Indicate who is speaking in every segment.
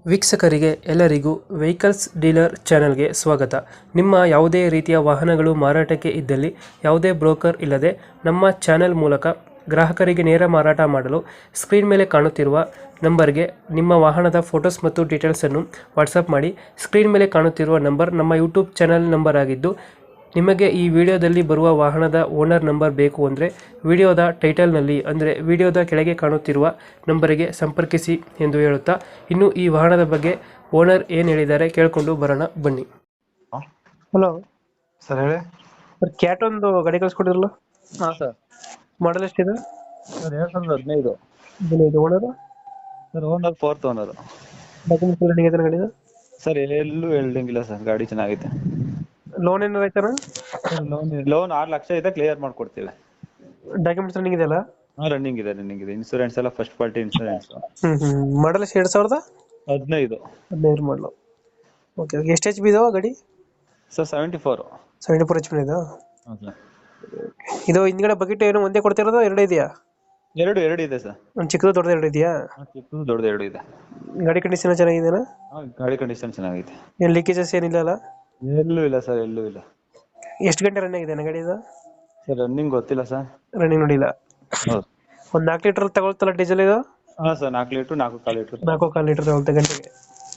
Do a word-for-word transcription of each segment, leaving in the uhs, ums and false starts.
Speaker 1: ವೀಕ್ಷಕರಿಗೆ ಎಲ್ಲರಿಗೂ vehicles dealer ಚಾನೆಲ್ಗೆ ಸ್ವಾಗತ. ನಿಮ್ಮ ಯಾವುದೇ ರೀತಿಯ ವಾಹನಗಳು ಮಾರಾಟಕ್ಕೆ ಇದ್ದಲ್ಲಿ ಯಾವುದೇ ಬ್ರೋಕರ್ ಇಲ್ಲದೆ ನಮ್ಮ ಚಾನೆಲ್ ಮೂಲಕ ಗ್ರಾಹಕರಿಗೆ ನೇರ ಮಾರಾಟ ಮಾಡಲು ಸ್ಕ್ರೀನ್ ಮೇಲೆ ಕಾಣುತ್ತಿರುವ ನಂಬರ್ಗೆ ನಿಮ್ಮ ವಾಹನದ ಫೋಟೋಸ್ ಮತ್ತು ಡೀಟೇಲ್ಸನ್ನು ವಾಟ್ಸಪ್ ಮಾಡಿ. ಸ್ಕ್ರೀನ್ ಮೇಲೆ ಕಾಣುತ್ತಿರುವ ನಂಬರ್ ನಮ್ಮ ಯೂಟ್ಯೂಬ್ ಚಾನೆಲ್ ನಂಬರ್ ಆಗಿದ್ದು, ನಿಮಗೆ ಈ ವಿಡಿಯೋದಲ್ಲಿ ಬರುವ ವಾಹನದ ಓನರ್ ನಂಬರ್ ಬೇಕು ಅಂದರೆ ವಿಡಿಯೋದ ಟೈಟಲ್ನಲ್ಲಿ ಅಂದರೆ ವಿಡಿಯೋದ ಕೆಳಗೆ ಕಾಣುತ್ತಿರುವ ನಂಬರಿಗೆ ಸಂಪರ್ಕಿಸಿ ಎಂದು ಹೇಳುತ್ತಾ, ಇನ್ನು ಈ ವಾಹನದ ಬಗ್ಗೆ ಓನರ್ ಏನು ಹೇಳಿದ್ದಾರೆ ಕೇಳಿಕೊಂಡು ಬರೋಣ ಬನ್ನಿ. ಹಲೋ
Speaker 2: ಸರ್ ಹೇಳಿ.
Speaker 1: ಸರ್, ಕ್ಯಾಟ್ ಒಂದು ಗಾಡಿ ಕಳಿಸ್ಕೊಡಿರಲ್ಲ,
Speaker 2: ಹಾಂ ಸರ್.
Speaker 1: ಮಾಡಲ್ ಎಷ್ಟಿದೆ?
Speaker 2: ಸರ್ ಎರಡು ಸಾವಿರದ ಹದಿನೈದು.
Speaker 1: ಹದಿನೈದು. Owner
Speaker 2: sir owner fourth owner.
Speaker 1: Documents ಎಲ್ಲ ರನ್ನಿಂಗ್ ಐತೆ ಗಾಡಿದ?
Speaker 2: ಸರ್ ಎಲ್ಲೂ ಎಲ್ಡಿಂಗ್ ಸರ್, ಗಾಡಿ ಚೆನ್ನಾಗೈತೆ.
Speaker 1: ಲೋನ್ ಏನಾರು ಆಯ್ತಾನ?
Speaker 2: ಸರ್ ಲೋನ್ ಲೋನ್ ಆರು ಲಕ್ಷ ಇದೆ, ಕ್ಲಿಯರ್ ಮಾಡ್ಕೊಡ್ತೀವಿ.
Speaker 1: ಡಾಕ್ಯುಮೆಂಟ್ಸ್ ರನ್ನಿಂಗ್ ಇದೆಯಲ್ಲ?
Speaker 2: ಹಾಂ ರನ್ನಿಂಗ್ ಇದೆ ರನ್ನಿಂಗ್ ಇದೆ ಇನ್ಸೂರೆನ್ಸ್ ಎಲ್ಲ ಫಸ್ಟ್ ಪಾರ್ಟಿ ಇನ್ಸೂರೆನ್ಸ್.
Speaker 1: ಹ್ಞೂ ಹ್ಞೂ ಮಾಡಲ್ ಎಷ್ಟು? ಎರಡು ಸಾವಿರದ
Speaker 2: ಹದಿನೈದು.
Speaker 1: ಹದಿನೈದು ಮಾಡಲು. Okay okay. ಎಷ್ಟು ಎಚ್ ಪಿ ಇದಾವ ಗಾಡಿ?
Speaker 2: Sir seventy four.
Speaker 1: Seventy four H P ಇದು.
Speaker 2: ಹಾಂ ಸರ್.
Speaker 1: ಇದು ಹಿಂದ್ಗಡೆ ಬಕೆಟ್ ಏನು ಒಂದೇ ಕೊಡ್ತಿರೋದು, ಎರಡು ಇದೆಯಾ?
Speaker 2: ಎರಡು ಎರಡು ಇದೆ ಸರ್.
Speaker 1: ಒಂದು ಚಿಕ್ಕದು ದೊಡ್ಡದು ಎರಡು ಇದೆಯಾ?
Speaker 2: ಹಾಂ ಚಿಕ್ಕದು ದೊಡ್ಡದು ಎರಡು ಇದೆ.
Speaker 1: ಗಾಡಿ ಕಂಡೀಷನ್ ಚೆನ್ನಾಗಿದೆಯಾ?
Speaker 2: ಹಾಂ ಗಾಡಿ ಕಂಡೀಷನ್ ಚೆನ್ನಾಗೈತೆ.
Speaker 1: ಏನು ಲೀಕೇಜಸ್ ಏನಿಲ್ಲ ಅಲ್ಲ?
Speaker 2: ಎಲ್ಲೂ ಇಲ್ಲ ಸರ್, ಎಲ್ಲೂ ಇಲ್ಲ.
Speaker 1: ಎಷ್ಟು ಗಂಟೆ ರನ್ ಆಗಿದೆ ಗಾಡಿ ಇದು?
Speaker 2: ಸರ್ ರನ್ನಿಂಗ್ ಗೊತ್ತಿಲ್ಲ ಸರ್.
Speaker 1: ರನ್ನಿಂಗ್ ನೋಡಿಲ್ಲ.
Speaker 2: ಹೌದು.
Speaker 1: ಒಂದು ನಾಲ್ಕು ಲೀಟರ್ ತಗೊಳ್ತಲ್ಲ ಡೀಸೆಲ್ ಇದು?
Speaker 2: ಹಾಂ ಸರ್ ನಾಲ್ಕು ಲೀಟ್ರು ನಾಲ್ಕು ಕಾಲು ಲೀಟ್ರು.
Speaker 1: ನಾಲ್ಕು ಕಾಲು ಲೀಟರ್ ತಗೊಳ್ತಾ ಗಂಟೆಗೆ.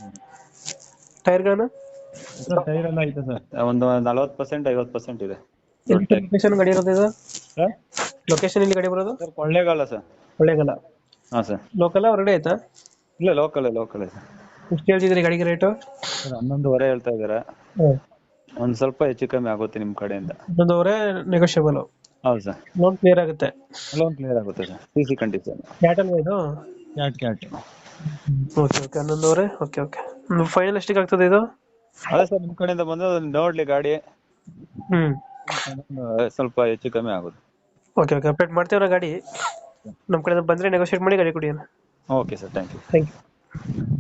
Speaker 1: ಟೈರ್ಗಳನ್ನು?
Speaker 2: ಸರ್ ಟೈರ್ ಎಲ್ಲ ಐತೆ ಸರ್, ಒಂದು ನಲ್ವತ್ತು ಪರ್ಸೆಂಟ್ ಐವತ್ತು ಪರ್ಸೆಂಟ್ ಇದೆ.
Speaker 1: ಲೊಕೇಶನ್ ಗಾಡಿ ಇರೋದು ಇದು?
Speaker 2: ಸರ್
Speaker 1: ಲೊಕೇಶನ್ ಇಲ್ಲಿ ಗಾಡಿ ಬರೋದು?
Speaker 2: Sir Kollegal sir.
Speaker 1: ಕೊಳ್ಳೇಗಾಲ.
Speaker 2: ಹಾಂ ಸರ್.
Speaker 1: ಲೋಕಲ್ ಹೊರಗಡೆ ಆಯ್ತಾ?
Speaker 2: ಇಲ್ಲ ಲೋಕಲ್ ಲೋಕಲ್ ಸರ್.
Speaker 1: ಎಷ್ಟು ಹೇಳ್ತಿದ್ರಿ ಗಾಡಿಗೆ ರೇಟು?
Speaker 2: ಸರ್ ಹನ್ನೊಂದುವರೆ ಹೇಳ್ತಾ ಇದ್ದಾರೆ. ಒಂದು ಸ್ವಲ್ಪ ಹೆಚ್ಚು ಕಮ್ಮಿ ಆಗುತ್ತೆ ನಿಮ್ಮ ಕಡೆಯಿಂದ.
Speaker 1: ಹನ್ನೊಂದುವರೆ ನೆಗೋಷಿಯಬಲ್?
Speaker 2: ಹೌದು ಸರ್.
Speaker 1: ಲೋನ್ ಕ್ಲಿಯರ್ ಆಗುತ್ತೆ?
Speaker 2: ಲೋನ್ ಕ್ಲಿಯರ್ ಆಗುತ್ತೆ sir, C C condition.
Speaker 1: Cat ಅಲ್ವಾ ಇದು?
Speaker 2: Cat cat.
Speaker 1: Okay okay. ಹನ್ನೊಂದುವರೆ. Okay okay. ಫೈನಲ್ ಎಷ್ಟಿಗೆ ಆಗ್ತದೆ ಇದು?
Speaker 2: ಅದೇ ಸರ್ ನಿಮ್ಮ ಕಡೆಯಿಂದ ಬಂದು ನೋಡ್ಲಿ ಗಾಡಿ,
Speaker 1: ಹ್ಞೂ
Speaker 2: ಸ್ವಲ್ಪ ಹೆಚ್ಚು ಕಮ್ಮಿ ಆಗುತ್ತೆ.
Speaker 1: Okay okay. ಅಪ್ಡೇಟ್ ಮಾಡ್ತೀವಿ ಗಾಡಿ. ನಮ್ಮ ಕಡೆಯಿಂದ ಬಂದರೆ ನೆಗೋಷಿಯೇಟ್ ಮಾಡಿ ಗಾಡಿ ಕೊಡಿ.
Speaker 2: Okay sir, thank you.
Speaker 1: Thank you.